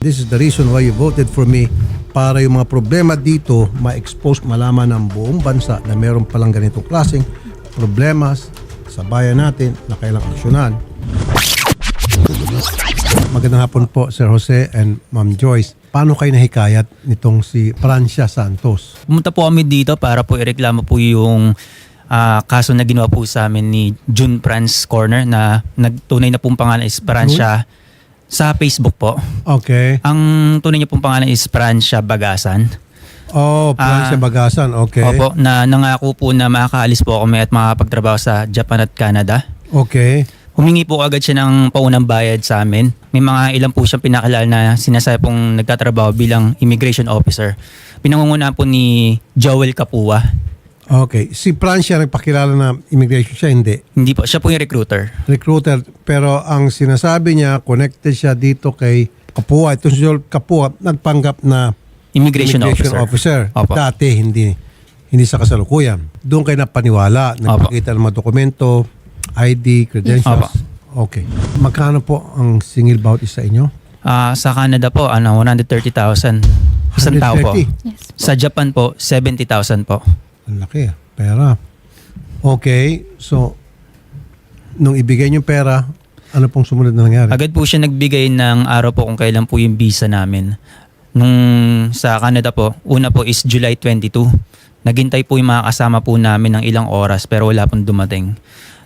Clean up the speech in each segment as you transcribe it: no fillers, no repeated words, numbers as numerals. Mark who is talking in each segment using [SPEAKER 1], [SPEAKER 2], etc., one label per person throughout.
[SPEAKER 1] This is the reason why you voted for me, para yung mga problema dito ma-expose, malaman ng buong bansa na meron palang ganitong klaseng problemas sa bayan natin na kailangang aksyonan. Magandang hapon po, Sir Jose and Ma'am Joyce. Paano kayo nahikayat nitong si Francia Santos?
[SPEAKER 2] Pumunta po kami dito para po ireklamo po yung kaso na ginawa po sa amin ni June France Corner na nagtunay na pong pangalan is Francia sa Facebook po.
[SPEAKER 1] Okay.
[SPEAKER 2] Ang tunay niya pong pangalan is Francia Bagasan.
[SPEAKER 1] Oh, Francia Bagasan. Okay.
[SPEAKER 2] Opo, na nangako po na makakaalis po kami at makakapagtrabaho sa Japan at Canada.
[SPEAKER 1] Okay.
[SPEAKER 2] Humingi po agad siya ng paunang bayad sa amin. May mga ilan po siyang pinakilala na sinasabi pong nagtatrabaho bilang immigration officer. Pinangungunahan po ni Joel Capua.
[SPEAKER 1] Okay. Si Francia nagpakilala na immigration siya, hindi?
[SPEAKER 2] Hindi po, siya po yung recruiter.
[SPEAKER 1] Recruiter. Pero ang sinasabi niya, connected siya dito kay Capua. Ito si Joel Capua, nagpanggap na
[SPEAKER 2] Immigration officer. Opo.
[SPEAKER 1] Dati, hindi sa kasalukuyan. Doon kayo napaniwala, nagpakita ng mga dokumento, ID, credentials.
[SPEAKER 2] Opo.
[SPEAKER 1] Okay. Magkano po ang single bawat isa inyo?
[SPEAKER 2] Sa Canada po, 130,000. Isang tao po.
[SPEAKER 1] 130?
[SPEAKER 3] Yes.
[SPEAKER 2] Sa Japan po, 70,000 po.
[SPEAKER 1] Ang laki, pera. Okay, so nung ibigay niyo pera, ano pong sumunod na nangyari?
[SPEAKER 2] Agad po siya nagbigay ng araw po kung kailan po yung visa namin. Nung sa Canada po, una po is July 22. Naghintay po yung mga kasama po namin ng ilang oras pero wala pong dumating.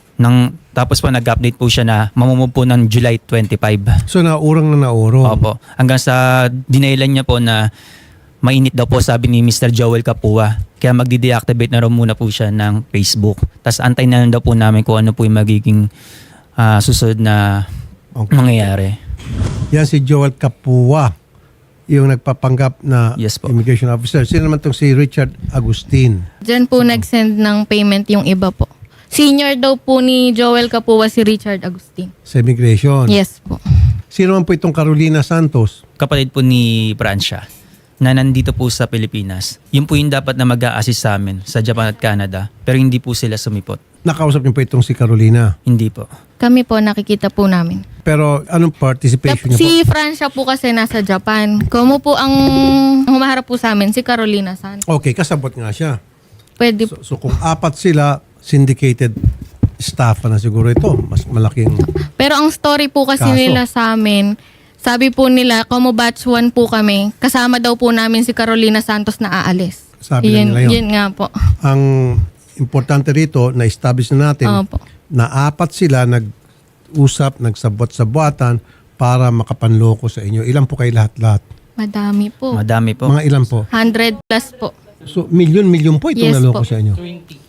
[SPEAKER 2] Tapos po nag-update po siya na mamumove po ng July 25.
[SPEAKER 1] So naurang na naurong.
[SPEAKER 2] Opo. Hanggang sa dinailan niya po na mainit daw po sabi ni Mr. Joel Capua. Kaya magdi-deactivate na raw muna po siya ng Facebook. Tapos antay na lang daw po namin kung ano po yung magiging susunod na mangyayari.
[SPEAKER 1] Yan si Joel Capua, yung nagpapanggap na
[SPEAKER 2] Yes po.
[SPEAKER 1] immigration officer. Sino naman tong si Richard Agustin?
[SPEAKER 3] Diyan po nag-send ng payment yung iba po. Senior daw po ni Joel Capua si Richard Agustin.
[SPEAKER 1] Sa immigration.
[SPEAKER 3] Yes po.
[SPEAKER 1] Sino man po itong Carolina Santos?
[SPEAKER 2] Kapatid po ni Francia na nandito po sa Pilipinas. Yun po yung dapat na mag-a-assist sa amin sa Japan at Canada. Pero hindi po sila sumipot.
[SPEAKER 1] Nakausap niyo po itong si Carolina.
[SPEAKER 2] Hindi po.
[SPEAKER 3] Kami po nakikita po namin.
[SPEAKER 1] Pero anong participation niya po?
[SPEAKER 3] Si Francia po kasi nasa Japan. Kumu po ang humaharap po sa amin, si Carolina San.
[SPEAKER 1] Okay, kasabot nga siya.
[SPEAKER 3] Pwede
[SPEAKER 1] So kung apat sila, syndicated staff na siguro ito. Mas malaking...
[SPEAKER 3] Pero ang story po kasi
[SPEAKER 1] Kaso.
[SPEAKER 3] nila sa amin, sabi po nila, como batch 1 po kami, kasama daw po namin si Carolina Santos na aalis.
[SPEAKER 1] Sabi na nila yun.
[SPEAKER 3] Yun nga po.
[SPEAKER 1] Ang importante rito, na-establish na natin
[SPEAKER 3] Opo.
[SPEAKER 1] na apat sila nag-usap, nagsabot-sabuatan para makapanloko sa inyo. Ilan po kayo lahat-lahat?
[SPEAKER 3] Madami po.
[SPEAKER 2] Madami po.
[SPEAKER 1] Mga ilan po?
[SPEAKER 3] 100 plus po.
[SPEAKER 1] So, milyon-milyon po itong
[SPEAKER 3] Yes
[SPEAKER 1] naloko
[SPEAKER 3] po.
[SPEAKER 1] sa inyo?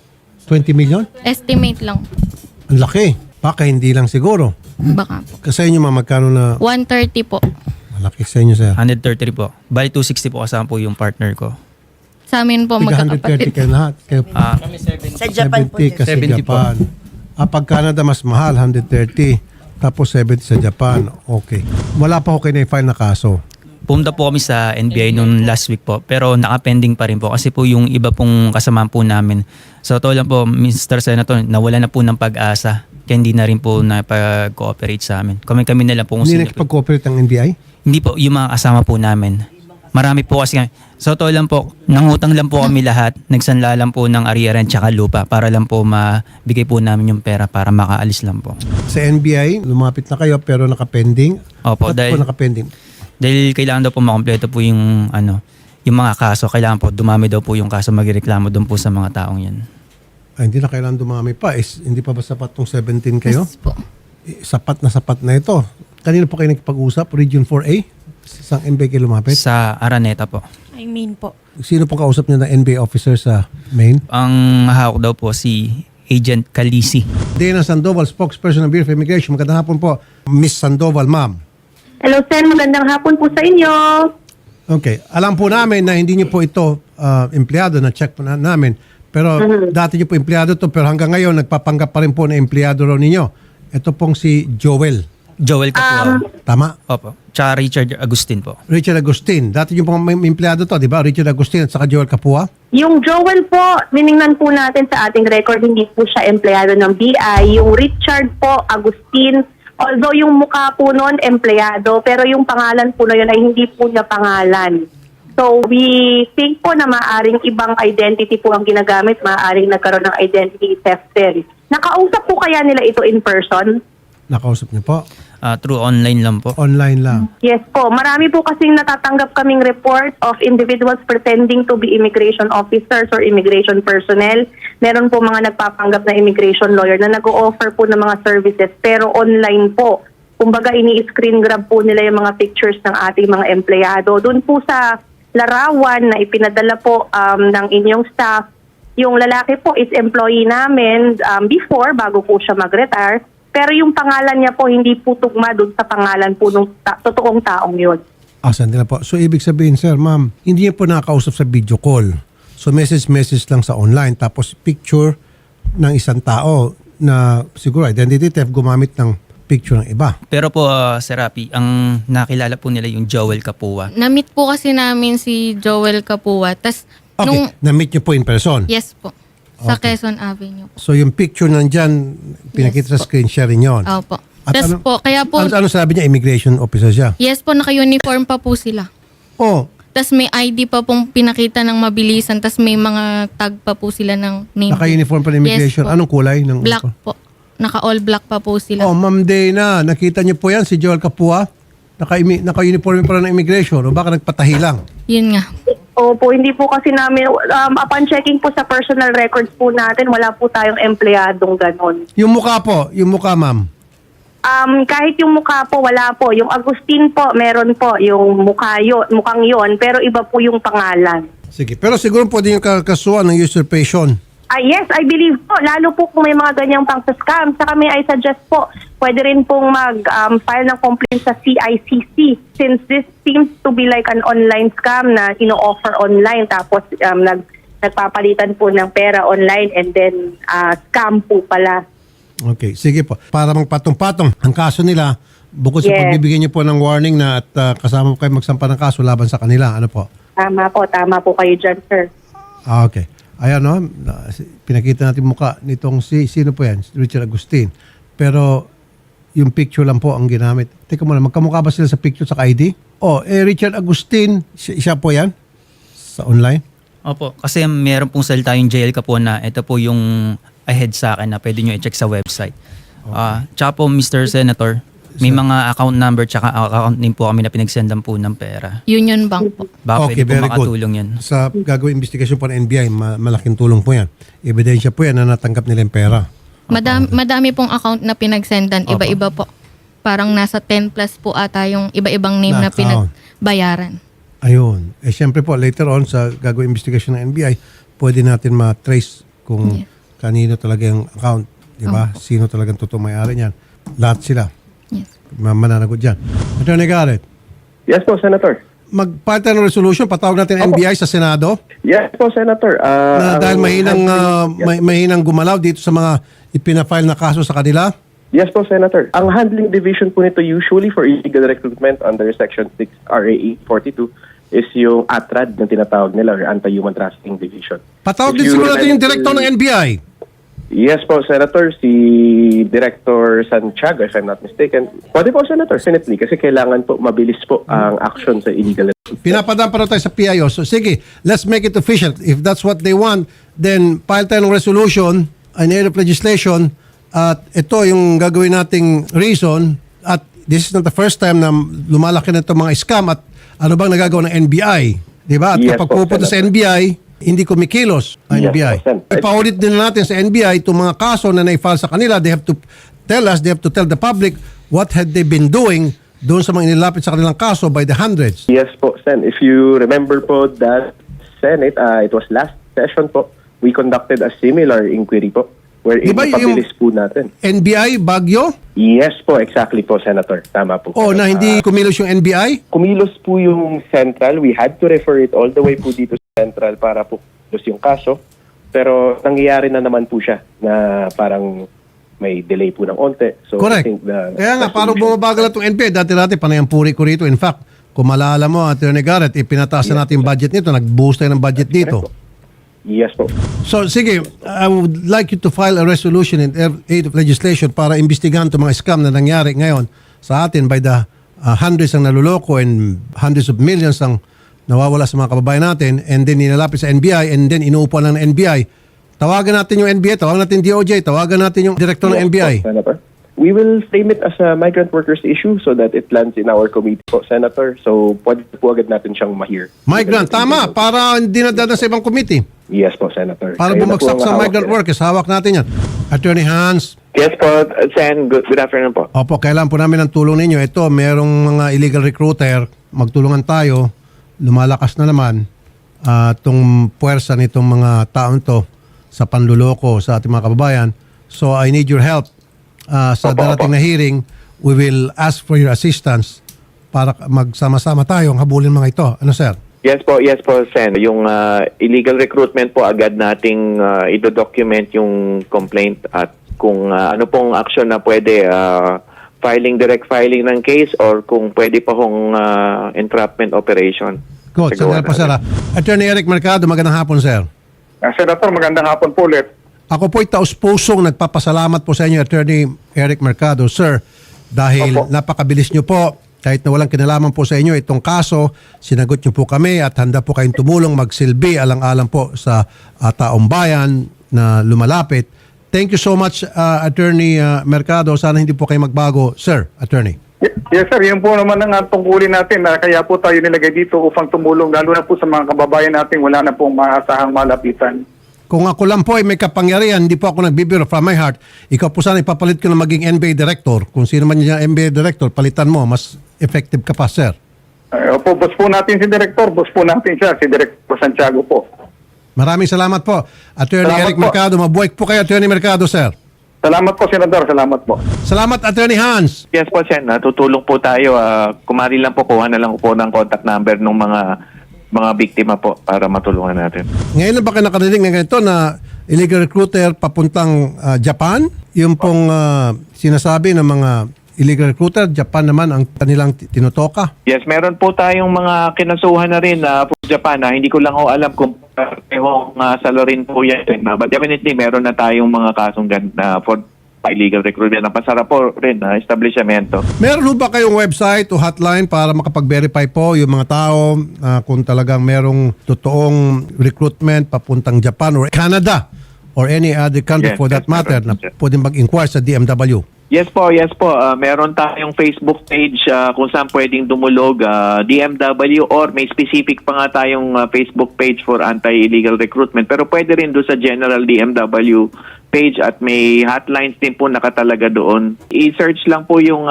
[SPEAKER 1] 20 million?
[SPEAKER 3] Estimate lang.
[SPEAKER 1] Ang laki. Baka hindi lang siguro.
[SPEAKER 3] Baka po.
[SPEAKER 1] Kasi inyo magkano na
[SPEAKER 3] 130 po.
[SPEAKER 1] malaki sa inyo, sir?
[SPEAKER 2] 133 po. Bali 260 po kasama po yung partner ko.
[SPEAKER 3] Sa amin po
[SPEAKER 1] Tiga 130
[SPEAKER 3] magkakapatid.
[SPEAKER 1] kayo lahat. Kayo
[SPEAKER 4] Sa Japan po.
[SPEAKER 1] 70 kasi
[SPEAKER 2] 70 po.
[SPEAKER 1] Japan. Pag Canada mas mahal, 130. Tapos 70 sa Japan. Okay. Wala pa ako kayo na-file na kaso.
[SPEAKER 2] Pumunta po kami sa NBI noong last week po pero naka-pending pa rin po kasi po yung iba pong kasama po namin. So totoo lang po, Mr. Senator, nawala na po ng pag-asa kaya hindi na rin po napag-cooperate sa amin. Kami na lang po kung
[SPEAKER 1] Hindi
[SPEAKER 2] sino po.
[SPEAKER 1] nakipag-cooperate ang NBI?
[SPEAKER 2] Hindi po, yung mga kasama po namin. Marami po kasi kami. So totoo lang po, nangutang lang po kami lahat. Nagsanla lang po ng ariaran tsaka lupa para lang po mabigay po namin yung pera para makaalis lang po.
[SPEAKER 1] Sa NBI, lumapit na kayo pero nakapending.
[SPEAKER 2] Opo,
[SPEAKER 1] Ba't po nakapending?
[SPEAKER 2] Dahil kailangan daw po makompleto po yung yung mga kaso. Kailangan po dumami daw po yung kaso, magreklamo doon po sa mga taong yan.
[SPEAKER 1] Ay, hindi na kailangan dumami pa. Hindi pa ba sapat tong 17 kayo?
[SPEAKER 3] Yes po.
[SPEAKER 1] Sapat na ito. Kanina po kayo nakipag-usap? Region 4A? Saan NBI kayo lumapit?
[SPEAKER 2] Sa Araneta po.
[SPEAKER 4] I mean po.
[SPEAKER 1] Sino pong kausap niyo na NBI officer sa Maine?
[SPEAKER 2] Ang hawak daw po si Agent Calisi.
[SPEAKER 1] Dana Sandoval, spokesperson ng Bureau of Immigration. Magandang hapon po, Miss Sandoval, ma'am.
[SPEAKER 5] Hello, sir. Magandang hapon po sa inyo.
[SPEAKER 1] Okay. Alam po namin na hindi niyo po ito empleyado, na-check po namin. Pero dati niyo po empleyado to pero hanggang ngayon nagpapanggap pa rin po na empleyado raw ninyo. Ito pong si Joel.
[SPEAKER 2] Joel Capua.
[SPEAKER 1] Tama?
[SPEAKER 2] Opo. Tsaka Richard Agustin po.
[SPEAKER 1] Richard Agustin. Dati niyo pong empleyado to, di ba? Richard Agustin at saka Joel Capua.
[SPEAKER 5] Yung Joel po, niningnan po natin sa ating record, hindi po siya empleyado ng BI. Yung Richard po, Agustin, Although yung mukha po noon, empleyado, pero yung pangalan po na yun ay hindi po niya pangalan. So we think po na maaring ibang identity po ang ginagamit, maaring nagkaroon ng identity theft din. Nakausap po kaya nila ito in person?
[SPEAKER 1] Nakausap niyo po?
[SPEAKER 2] Through online lang po.
[SPEAKER 1] Online lang.
[SPEAKER 5] Yes po. Marami po kasing natatanggap kaming report of individuals pretending to be immigration officers or immigration personnel. Meron po mga nagpapanggap na immigration lawyer na nag-o-offer po ng mga services pero online po. Kumbaga ini-screen grab po nila yung mga pictures ng ating mga empleyado. Doon po sa larawan na ipinadala po ng inyong staff, yung lalaki po is employee namin before, bago po siya mag-retire. Pero yung pangalan niya po hindi po tugma doon sa pangalan po ng totoong taong yun.
[SPEAKER 1] Sandali na po. So, ibig sabihin, sir, ma'am, hindi niyo po nakakausap sa video call. So, message lang sa online. Tapos, picture ng isang tao na siguro identity theft gumamit ng picture ng iba.
[SPEAKER 2] Pero po, Sir Rapi, ang nakilala po nila yung Joel Kapua.
[SPEAKER 3] Na-meet po kasi namin si Joel Kapua. Tas
[SPEAKER 1] Okay. Na-meet niyo po in person?
[SPEAKER 3] yes po. Sa
[SPEAKER 1] Okay.
[SPEAKER 3] Quezon Avenue.
[SPEAKER 1] So, yung picture nandyan, pinakita sa screen sharing yon.
[SPEAKER 3] Opo.
[SPEAKER 1] At
[SPEAKER 3] Tas
[SPEAKER 1] ano-
[SPEAKER 3] po, kaya po,
[SPEAKER 1] Ano sabi niya? Immigration officer siya?
[SPEAKER 3] yes po, naka-uniform pa po sila.
[SPEAKER 1] Oh,
[SPEAKER 3] Tas may ID pa pong pinakita ng mabilisan. Tas may mga tag pa po sila ng name.
[SPEAKER 1] naka-uniform pa ng immigration.
[SPEAKER 3] Yes po.
[SPEAKER 1] Anong kulay? Ng
[SPEAKER 3] Black po. Naka-all black pa po sila.
[SPEAKER 1] Oh, Ma'am Dana, nakita niyo po yan, si Joel Kapua? Naka-uniform pa rin ng immigration o baka nagpatahi lang?
[SPEAKER 3] Yun nga.
[SPEAKER 5] Opo, hindi po kasi namin, upon checking po sa personal records po natin, wala po tayong empleyadong ganon.
[SPEAKER 1] Yung mukha po, yung mukha, ma'am.
[SPEAKER 5] Kahit yung mukha po, wala po. Yung Agustin po, meron po yung mukhang yon, pero iba po yung pangalan.
[SPEAKER 1] Sige, pero siguro pwede yung kakasuhan ng usurpation.
[SPEAKER 5] Yes, I believe po. Lalo po kung may mga ganyang pang-scam. Saka may I suggest po, pwede rin pong mag-file ng complaint sa CICC since this seems to be like an online scam na ino-offer online tapos nagpapalitan po ng pera online and then scam po pala.
[SPEAKER 1] Okay, sige po. Para magpatong-patong ang kaso nila, bukod sa
[SPEAKER 5] Yes.
[SPEAKER 1] pagbibigyan niyo po ng warning na at kasama po kayo magsampa ng kaso laban sa kanila, ano po?
[SPEAKER 5] Tama po kayo dyan, sir.
[SPEAKER 1] Okay. Ayan, no? Pinakita natin mukha nitong sino po yan? Richard Agustin. Pero yung picture lang po ang ginamit. Teka muna, magkamukha ba sila sa picture sa ID? Richard Agustin, siya po yan? Sa online?
[SPEAKER 2] Opo, kasi meron pong salita yung Joel Kapua na ito po yung ahead sa akin na pwede nyo i-check sa website. Tsaka po, Mr. Senator, may mga account number tsaka account name po kami na pinagsendan po ng pera.
[SPEAKER 3] Union Bank po.
[SPEAKER 2] Baka
[SPEAKER 1] Okay,
[SPEAKER 2] pwede po
[SPEAKER 1] very good.
[SPEAKER 2] makatulong yan.
[SPEAKER 1] Sa gagawin investigation po ng NBI, malaking tulong po yan. Ebidensya po yan na natanggap nila yung pera.
[SPEAKER 3] Madami pong account na pinagsendan. Iba-iba po. Parang nasa 10 plus po ata yung iba-ibang name
[SPEAKER 1] Na
[SPEAKER 3] na
[SPEAKER 1] account.
[SPEAKER 3] pinagbayaran.
[SPEAKER 1] Ayun. Siyempre po, later on sa gagawin investigation ng NBI, pwede natin ma-trace kung kanino talaga yung account. Di ba? Sino talagang totoong may-ari niyan. Lahat sila.
[SPEAKER 3] Yes.
[SPEAKER 1] Mananagot dyan. Attorney Garrett,
[SPEAKER 6] Yes po, Senator.
[SPEAKER 1] mag-file tayo ng resolution, patawag natin ang NBI sa Senado
[SPEAKER 6] Yes po, Senator.
[SPEAKER 1] na dahil mahinang gumalaw dito sa mga ipina-file na kaso sa kanila.
[SPEAKER 6] Yes po, Senator. Ang handling division po nito usually for illegal recruitment under Section 6 RA 42 is yung ATRAD na tinatawag nila or Anti-Human Trafficking Division.
[SPEAKER 1] Patawag
[SPEAKER 6] If
[SPEAKER 1] din
[SPEAKER 6] you
[SPEAKER 1] siguro natin yung
[SPEAKER 6] remember-
[SPEAKER 1] director ng NBI.
[SPEAKER 6] Yes po, Senator. Si Director Santiago, if I'm not mistaken. Pwede po, Senator, definitely. Kasi kailangan po mabilis po ang action sa illegal recruitment.
[SPEAKER 1] Pinapadaan pa rin tayo sa PIO. So sige, let's make it official. If that's what they want, then file tayo ng resolution, an area of legislation, at ito yung gagawin nating reason, at this is not the first time na lumalaki na itong mga scam at ano bang nagagawa ng NBI. Diba? At
[SPEAKER 6] Yes
[SPEAKER 1] kapag
[SPEAKER 6] po,
[SPEAKER 1] pupunta sa
[SPEAKER 6] Senator.
[SPEAKER 1] NBI, hindi kumikilos ang
[SPEAKER 6] Yes
[SPEAKER 1] NBI.
[SPEAKER 6] po, Sen.
[SPEAKER 1] Ipaulit din natin sa NBI itong mga kaso na na-file sa kanila. They have to tell us, they have to tell the public what had they been doing doon sa mga inilapit sa kanilang kaso by the hundreds.
[SPEAKER 6] Yes po, Sen. If you remember po that Senate, it was last session po, we conducted a similar inquiry po wherein
[SPEAKER 1] Di ba yung-
[SPEAKER 6] ipabilis po natin.
[SPEAKER 1] NBI, Baguio?
[SPEAKER 6] Yes po, exactly po, Senator. Tama po.
[SPEAKER 1] O na hindi kumilos yung NBI?
[SPEAKER 6] Kumilos po yung Central. We had to refer it all the way po dito sa Central para po kumilos yung kaso. Pero nangyayari na naman po siya na parang may delay po ng onte. So
[SPEAKER 1] Correct.
[SPEAKER 6] I think
[SPEAKER 1] Kaya nga, parang bumabagal na itong NBI. Dati-dati, panay ang puri ko rito. In fact, kung malala mo, Atty. Garrett, ipinataas na natin yung budget nito. Nag-boost tayo ng budget dito.
[SPEAKER 6] Yes po.
[SPEAKER 1] So sige, I would like you to file a resolution in aid of legislation para imbestigahan itong mga scam na nangyari ngayon sa atin by the hundreds ang naluloko and hundreds of millions ang nawawala sa mga kababayan natin, and then nilalapit sa NBI, and then inuupuan lang ng NBI. Tawagan natin yung NBI, tawagan natin DOJ, tawagan natin yung director ng NBI.
[SPEAKER 6] Po, Senator. We will frame it as a migrant workers issue so that it lands in our committee po, Senator. So, pwede po agad natin siyang ma-hear.
[SPEAKER 1] Migrant, tama, para hindi nadadaan sa ibang committee.
[SPEAKER 6] Yes po, Senator.
[SPEAKER 1] Para
[SPEAKER 6] Kayo na po
[SPEAKER 1] bumagsak
[SPEAKER 6] ang
[SPEAKER 1] sa
[SPEAKER 6] hawak
[SPEAKER 1] migrant
[SPEAKER 6] yan.
[SPEAKER 1] workers, hawak natin yan. Attorney Hans,
[SPEAKER 7] Yes po, Sen. Good afternoon po.
[SPEAKER 1] opo, kailangan po namin ng tulong ninyo. Ito, merong mga illegal recruiter, magtulungan tayo, lumalakas na naman itong puwersa nitong mga taon to sa panluloko sa ating mga kababayan. So I need your help. Sa darating na hearing, we will ask for your assistance para magsama-sama tayong habulin mga ito. Ano, sir?
[SPEAKER 7] Yes po, Sen. Yung illegal recruitment po, agad nating ido-document yung complaint at kung ano pong action na pwede, direct filing ng case or kung pwede pa hong entrapment operation.
[SPEAKER 1] Good.
[SPEAKER 7] Siguro
[SPEAKER 1] Sandali pa, sir. Attorney Eric Mercado, magandang hapon, sir.
[SPEAKER 8] Senator, magandang hapon po ulit.
[SPEAKER 1] Ako po'y taus-pusong nagpapasalamat po sa inyo, Attorney Eric Mercado, sir, dahil
[SPEAKER 8] Opo.
[SPEAKER 1] napakabilis nyo po, kahit na walang kinalaman po sa inyo itong kaso, sinagot nyo po kami at handa po kayong tumulong magsilbi alang-alang po sa taong bayan na lumalapit. Thank you so much, Attorney Mercado. Sana hindi po kayo magbago, sir, Attorney.
[SPEAKER 8] Yes sir, yun po naman ang tungkulin natin. Kaya po tayo nilagay dito upang tumulong, lalo na po sa mga kababayan natin, wala na pong maasahang malapitan.
[SPEAKER 1] Kung ako lang po ay may kapangyarihan, hindi po ako nagbibiro from my heart, ikaw po sana ipapalit ko na maging NBA director. Kung sino man yung NBA director, palitan mo, mas effective ka pa, sir.
[SPEAKER 8] Opo, boss po natin si Director, boss po natin siya, si Director Santiago po.
[SPEAKER 1] Maraming salamat po. Attorney
[SPEAKER 8] Salamat
[SPEAKER 1] Eric
[SPEAKER 8] po.
[SPEAKER 1] Mercado, mabuhay po kayo, Attorney Mercado, sir.
[SPEAKER 8] Salamat po, Senador, salamat po.
[SPEAKER 1] Salamat, Attorney Hans.
[SPEAKER 7] Yes po, Sen. Tutulong po tayo. Kumari lang po, kuha na lang po ng contact number ng mga biktima po para matulungan natin.
[SPEAKER 1] Ngayon na ba kayo nakarinig ng ganito na illegal recruiter papuntang Japan? Yung pong sinasabi ng mga illegal recruiter, Japan naman ang kanilang tinutoka.
[SPEAKER 7] Yes, meron po tayong mga kinasuhan na rin po sa Japan. Hindi ko lang alam kung parehong salo rin po yan. But definitely, meron na tayong mga kasong for illegal recruitment. Napasara po rin na establishmento.
[SPEAKER 1] Meron ho ba kayong website o hotline para makapag-verify po yung mga tao kung talagang merong totoong recruitment papuntang Japan or Canada or any other country
[SPEAKER 7] Yes,
[SPEAKER 1] for that
[SPEAKER 7] yes,
[SPEAKER 1] matter
[SPEAKER 7] meron,
[SPEAKER 1] na
[SPEAKER 7] sir.
[SPEAKER 1] pwedeng mag-inquire sa DMW?
[SPEAKER 7] Yes po. Meron tayong Facebook page kung saan pwedeng dumulog DMW or may specific pa nga tayong Facebook page for anti-illegal recruitment. Pero pwede rin doon sa general DMW page at may hotlines din po nakatalaga doon. I-search lang po yung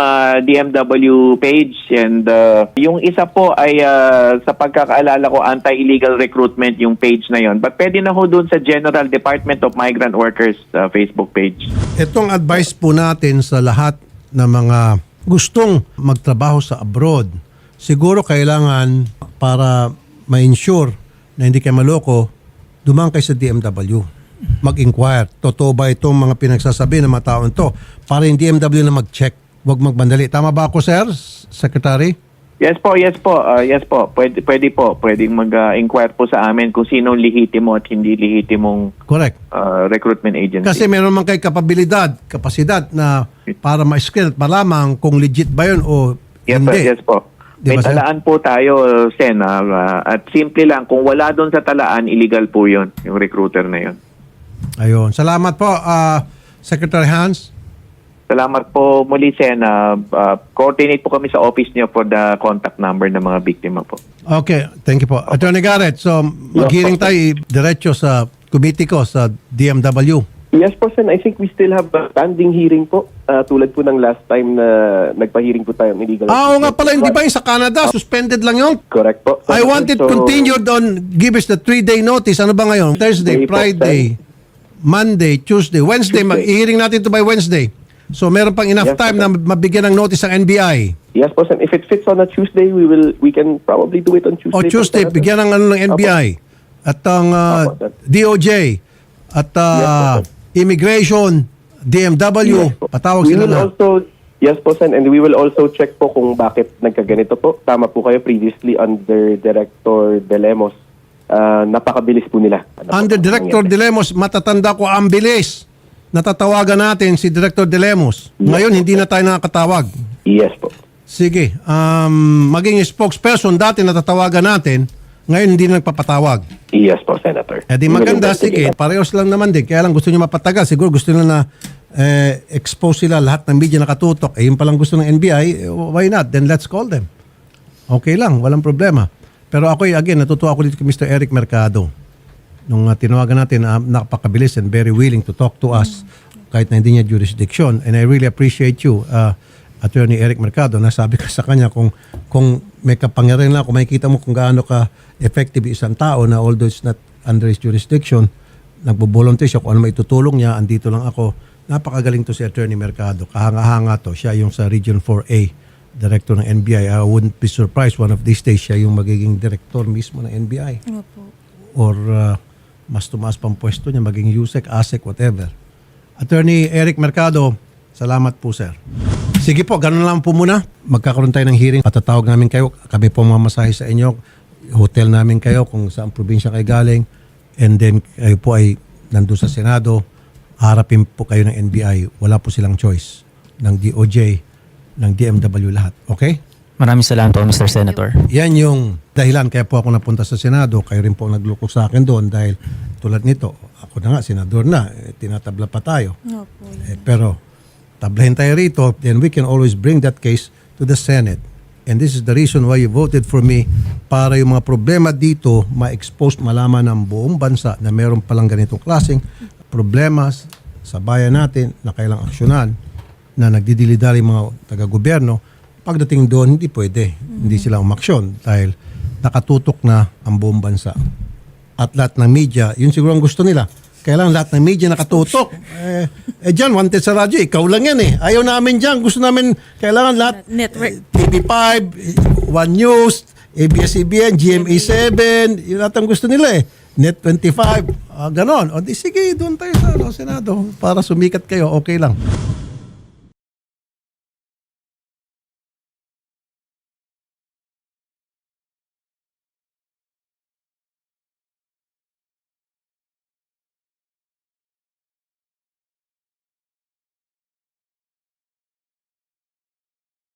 [SPEAKER 7] DMW page and yung isa po ay sa pagkakaalala ko anti-illegal recruitment yung page na yon. But pwede na ho doon sa General Department of Migrant Workers Facebook page.
[SPEAKER 1] Itong advice po natin sa lahat ng mga gustong magtrabaho sa abroad, siguro kailangan para ma-ensure na hindi kayo maloko, dumang kayo sa DMW. Mag-inquire. Totoo ba itong mga pinagsasabi ng mga taon to? Para yung DMW na mag-check. Huwag magbandali. Tama ba ako, sir? Secretary?
[SPEAKER 7] Yes po. Pwede po. Pwedeng mag-inquire po sa amin kung sino lehitimo at hindi lehitimong
[SPEAKER 1] Correct.
[SPEAKER 7] recruitment agency.
[SPEAKER 1] Kasi meron man kayo kapasidad na para ma-screen at malaman kung legit ba yun o hindi.
[SPEAKER 7] Yes po.
[SPEAKER 1] Di
[SPEAKER 7] May
[SPEAKER 1] ba, sir?
[SPEAKER 7] talaan po tayo, Sen. At simple lang, kung wala doon sa talaan, illegal po yun, yung recruiter na yun.
[SPEAKER 1] Ayun. Salamat po, Secretary Hans.
[SPEAKER 7] Salamat po muli, Sen. Coordinate po kami sa office niyo for the contact number ng mga biktima po.
[SPEAKER 1] Okay, thank you po. Attorney Garrett, so mag-hearing tayo diretso sa committee ko sa DMW.
[SPEAKER 6] Yes po, Sen. I think we still have a standing hearing po. Tulad po ng last time na nagpa-hearing po tayo ng illegal.
[SPEAKER 1] Oo nga pala, hindi ba yung sa Canada? Suspended lang yun?
[SPEAKER 6] Correct po.
[SPEAKER 1] I want it continued on, give us the 3-day notice. Ano ba ngayon? Thursday,
[SPEAKER 6] Day po,
[SPEAKER 1] Friday, Monday, Tuesday, Wednesday. Mag-hearing natin ito by Wednesday. So meron pang enough
[SPEAKER 6] Yes,
[SPEAKER 1] time
[SPEAKER 6] sir.
[SPEAKER 1] na mabigyan ng notice ang NBI.
[SPEAKER 6] Yes po, Sen. If it fits on a Tuesday, we can probably do it on Tuesday.
[SPEAKER 1] O Tuesday,
[SPEAKER 6] po, Senator.
[SPEAKER 1] bigyan ng ng NBI. At ang
[SPEAKER 6] Opo, sir.
[SPEAKER 1] DOJ. At
[SPEAKER 6] Yes, sir.
[SPEAKER 1] Immigration, DMW.
[SPEAKER 6] Yes po.
[SPEAKER 1] Patawag
[SPEAKER 6] We
[SPEAKER 1] sila
[SPEAKER 6] will
[SPEAKER 1] na.
[SPEAKER 6] also, yes po, Sen, and we will also check po kung bakit nagkaganito po. Tama po kayo previously under Director De Lemos. napakabilis po nila.
[SPEAKER 1] Under Director De Lemos, matatanda ko ang bilis. Natatawagan natin si Director De Lemos. Ngayon, hindi na tayo nakakatawag.
[SPEAKER 6] Yes po.
[SPEAKER 1] Sige, maging spokesperson, dati natatawagan natin, ngayon hindi na nagpapatawag.
[SPEAKER 6] Yes po, Senator.
[SPEAKER 1] Eh di maganda, sige, parehos lang naman din. Kaya lang gusto nyo mapatagal. Siguro gusto nila na expose sila lahat ng media nakatutok. Eh yun palang gusto ng NBI, why not? Then let's call them. Okay lang, walang problema. Pero ako, again, natutuwa ako dito kay Mr. Eric Mercado. Nung tinawagan natin, napakabilis and very willing to talk to us kahit na hindi niya jurisdiction. And I really appreciate you, Attorney Eric Mercado. Nasabi ka sa kanya kung may kapangyarihan lang, kung makikita mo kung gaano ka effective isang tao na although it's not under his jurisdiction, nagbo-volunteer siya kung ano maitutulong niya, andito lang ako. Napakagaling to si Attorney Mercado. Kahanga-hanga to. Siya yung sa Region 4A, Director ng NBI. I wouldn't be surprised one of these days siya yung magiging Director mismo ng NBI. Or mas tumaas pang pwesto niya, maging USEC, ASEC, whatever. Attorney Eric Mercado, salamat po, sir. Sige po, ganun lang po muna. Magkakaroon tayo ng hearing. Patatawag namin kayo. Kami po mamasahe sa inyo. Hotel namin kayo kung saan probinsya kayo galing. And then kayo po ay nandun sa Senado. Harapin po kayo ng NBI. Wala po silang choice. Ng DOJ, ng DMW lahat. Okay?
[SPEAKER 2] Maraming salamat po, Mr. Senator.
[SPEAKER 1] Yan yung dahilan kaya po ako napunta sa Senado. Kayo rin po ang naglukok sa akin doon dahil tulad nito, ako na nga, senador na. Tinatabla pa tayo. Pero tablahin tayo rito, then we can always bring that case to the Senate. And this is the reason why you voted for me, para yung mga problema dito ma-expose, malaman ng buong bansa na meron palang ganitong klaseng problema sa bayan natin na kailang aksyonan, na nagdidilidali mga taga-gobyerno. Pagdating doon, hindi pwede. Hindi sila umaksyon dahil nakatutok na ang buong bansa. At lahat ng media, yun siguro ang gusto nila. Kailangan lahat ng media nakatutok. Dyan, wanted sa radyo, ikaw lang yan eh. Ayaw namin dyan. Gusto namin, kailangan lahat.
[SPEAKER 4] Network.
[SPEAKER 1] TV5, One News, ABS-CBN, GMA7, yun lahat ang gusto nila eh. Net25, ganon. O di sige, doon tayo sa Senado para sumikat kayo, okay lang.